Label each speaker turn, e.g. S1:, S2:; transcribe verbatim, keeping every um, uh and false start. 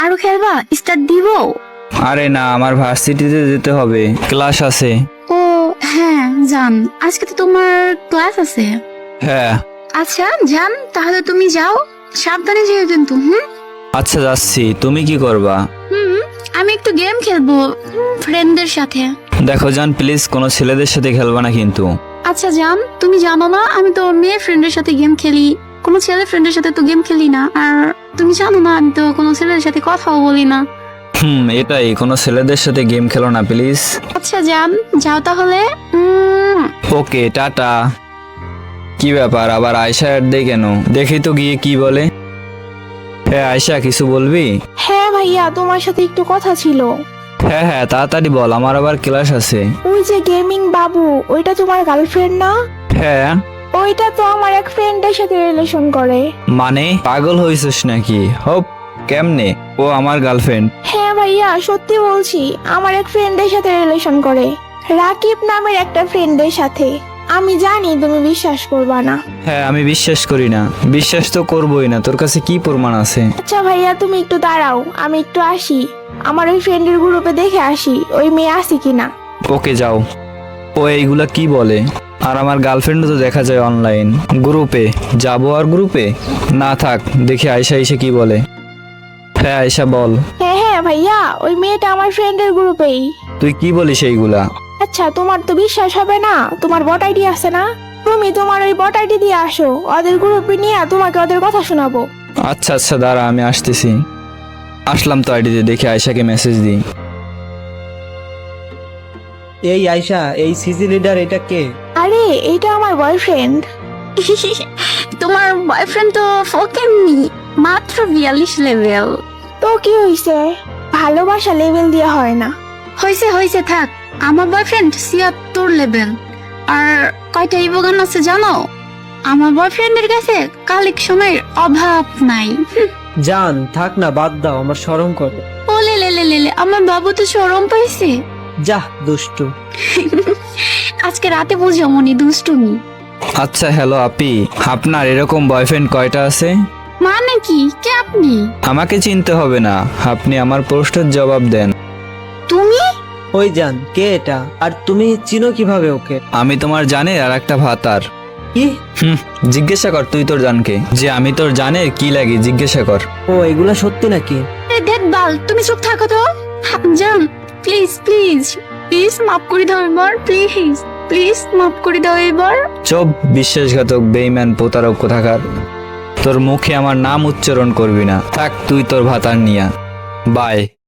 S1: আরো খেলবা? স্টার্ট দিব?
S2: আরে না, আমার ভার্সিটিতে যেতে হবে, ক্লাস আছে।
S1: ও হ্যাঁ জান, আজকে তো তোমার ক্লাস আছে।
S2: হ্যাঁ।
S1: আচ্ছা জান, তাহলে তুমি যাও, সাবধানে যেও কিন্তু। হুম
S2: আচ্ছা যাচ্ছি, তুমি কি করবা?
S1: হুম আমি একটু গেম খেলবো ফ্রেন্ডদের সাথে।
S2: দেখো জান, প্লিজ কোনো ছেলেদের সাথে খেলবা না কিন্তু।
S1: আচ্ছা জান, তুমি জানো না আমি তো মেয়ে ফ্রেন্ডের সাথে গেম খেলি, কোনো ছেলে ফ্রেন্ডের সাথে তো গেম খেলি না। আর তুমি জানো না আমি তো কোনো ছেলের সাথে কথাও বলি না।
S2: হুম এটাই, কোনো ছেলেদের সাথে গেম খেলো না প্লিজ।
S1: আচ্ছা জান, যাও তাহলে। Um,
S2: okay, tata. কি ব্যাপার, আবার আয়শা অ্যাড দেয় কেন? দেখি তো গিয়ে কি বলে। হ্যাঁ আয়শা, কিছু বলবি?
S3: হ্যাঁ ভাইয়া, তোমার সাথে একটু কথা ছিল।
S2: হ্যাঁ হ্যাঁ, তাড়াতাড়ি বল, আমার আবার ক্লাস আছে।
S3: ওই যে গেমিং বাবু, ওইটা তোমার গার্লফ্রেন্ড না?
S2: হ্যাঁ।
S3: ওইটা তো আমার এক ফ্রেন্ডের সাথে রিলেশন করে।
S2: মানে পাগল হয়েছিস নাকি? হোপ, কেমনে? ও আমার গার্লফ্রেন্ড?
S3: হ্যাঁ ভাইয়া, সত্যি বলছি, আমার এক ফ্রেন্ডের সাথে রিলেশন করে, রাকিব নামের একটা ফ্রেন্ডের সাথে। আমি জানি তুমি বিশ্বাস করবা না।
S2: হ্যাঁ আমি বিশ্বাস করি না, বিশ্বাস তো করবোই না, তোর কাছে কি প্রমাণ আছে?
S3: আচ্ছা ভাইয়া, তুমি একটু দাঁড়াও, আমি একটু আসি, আমার ওই ফ্রেন্ডের গ্রুপে দেখে আসি ওই মেয়ে আসি কিনা।
S2: ওকে যাও। ও এইগুলা কি বলে? আর আমার গার্লফ্রেন্ডও তো দেখা যায় অনলাইন গ্রুপে। যাবো আর গ্রুপে? না থাক, দেখি আয়শা এসে কি বলে। হ্যাঁ আয়শা বল।
S3: হ্যাঁ হ্যাঁ ভাইয়া, ওই মেয়েটা আমার ফ্রেন্ডের গ্রুপেই।
S2: তুই কি বলিস এইগুলা?
S3: আচ্ছা, তোমার তো বিশ্বাস হবে না, তোমার বট আইডি আছে না? তুমি তোমার ওই বট আইডি দিয়ে আসো, ওদের গ্রুপে নিয়ে তোমাকে ওদের কথা শোনাবো।
S2: আচ্ছা আচ্ছা দাঁড়া, আমি আসতেছি। আসলাম তো আইডিতে, দেখি আয়শাকে মেসেজ দিই।
S4: এই আয়শা, এই সিজি লিডার এটা কে?
S3: আরে এইটা আমার বয়ফ্রেন্ড।
S1: তোমার বয়ফ্রেন্ড তো ফোকেননি, মাত্র বিয়াল্লিশ লেভেল।
S3: তো কি হইছে, ভালোবাসা লেভেল দিয়ে হয় না।
S1: হয়েছে হয়েছে থাক, আমার বয়ফ্রেন্ড ছিয়াত্তর লেভেল। আর কয়টা ইভোগান আছে জানো? আমার বয়ফ্রেন্ডের কাছে কালেকশনের অভাব নাই।
S4: জান থাক না, বাদ দাও, আমার শরম করে।
S1: ও লে লে লে লে লে, আমার বাবু তো শরম পাইছে।
S4: যা দুষ্টু।
S1: আজকে রাতে বুঝো মনি দুষ্টুমি।
S2: আচ্ছা হ্যালো আপি, আপনার এরকম বয়ফ্রেন্ড কয়টা আছে?
S1: মানে কি, কে আপনি?
S2: আমাকে চিনতে হবে না, আপনি আমার প্রশ্নের জবাব দেন।
S1: তুমি?
S4: ওই জান, কে এটা? আর তুমি চিনো কিভাবে ওকে?
S2: আমি তোমার জানের আর একটা ভাতার।
S4: কি?
S2: হুম জিজ্ঞাসা কর তুই তোর জানকে, যে আমি তোর জানের কি লাগি, জিজ্ঞাসা কর।
S4: ও এগুলা সত্যি নাকি?
S1: দেখ বাল, তুমি চুপ থাকো তো। জান প্লিজ প্লিজ প্লিজ মাফ করে দাও এবার, প্লিজ প্লিজ মাফ করে দাও এবার।
S2: চুপ, বিশ্বাসঘাতক বেঈমান প্রতারক কোথাকার। তোর মুখে আমার নাম উচ্চারণ করবি না, থাক তুই তোর ভাতার নিয়া। বাই।